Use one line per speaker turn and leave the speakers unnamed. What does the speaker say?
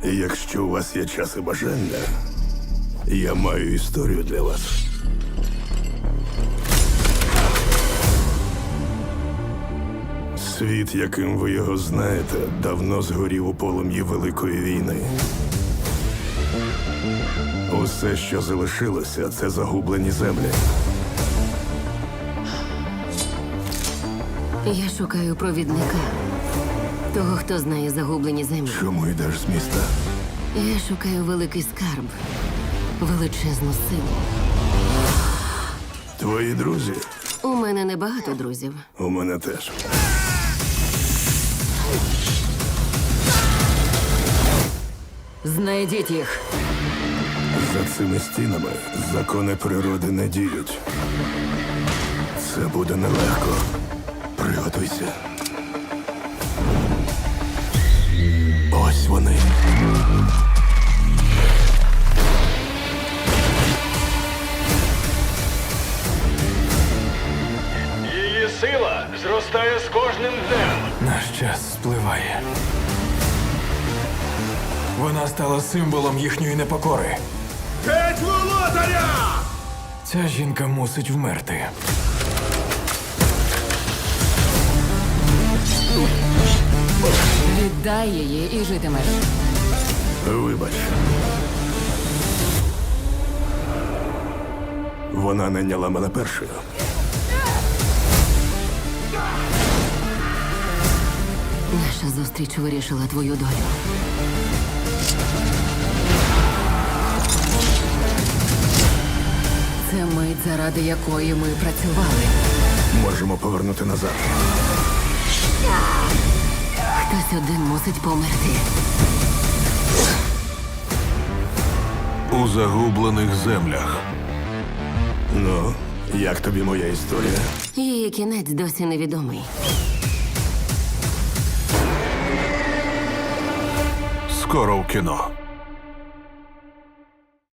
Якщо у вас є час і бажання, я маю історію для вас. Світ, яким ви його знаєте, давно згорів у полум'ї Великої війни. Усе, що залишилося, це загублені землі.
Я шукаю провідника. Того, хто знає загублені землі.
Чому йдеш з міста?
Я шукаю великий скарб. Величезну силу.
Твої друзі?
У мене небагато друзів.
У мене теж.
Знайдіть їх.
За цими стінами закони природи не діють. Це буде нелегко. Приготуйся. Ось вони.
Її сила зростає з кожним днем.
Наш час спливає. Вона стала символом їхньої непокори.
Геть володаря!
Ця жінка мусить вмерти.
Віддай її і житимеш.
Вибач. Вона найняла мене першою.
Наша зустріч вирішила твою долю. Це мить, заради якої ми працювали.
Можемо повернути назад.
Хтось один мусить померти.
У загублених землях. Ну, як тобі моя історія?
Її кінець досі невідомий.
Скоро в кіно.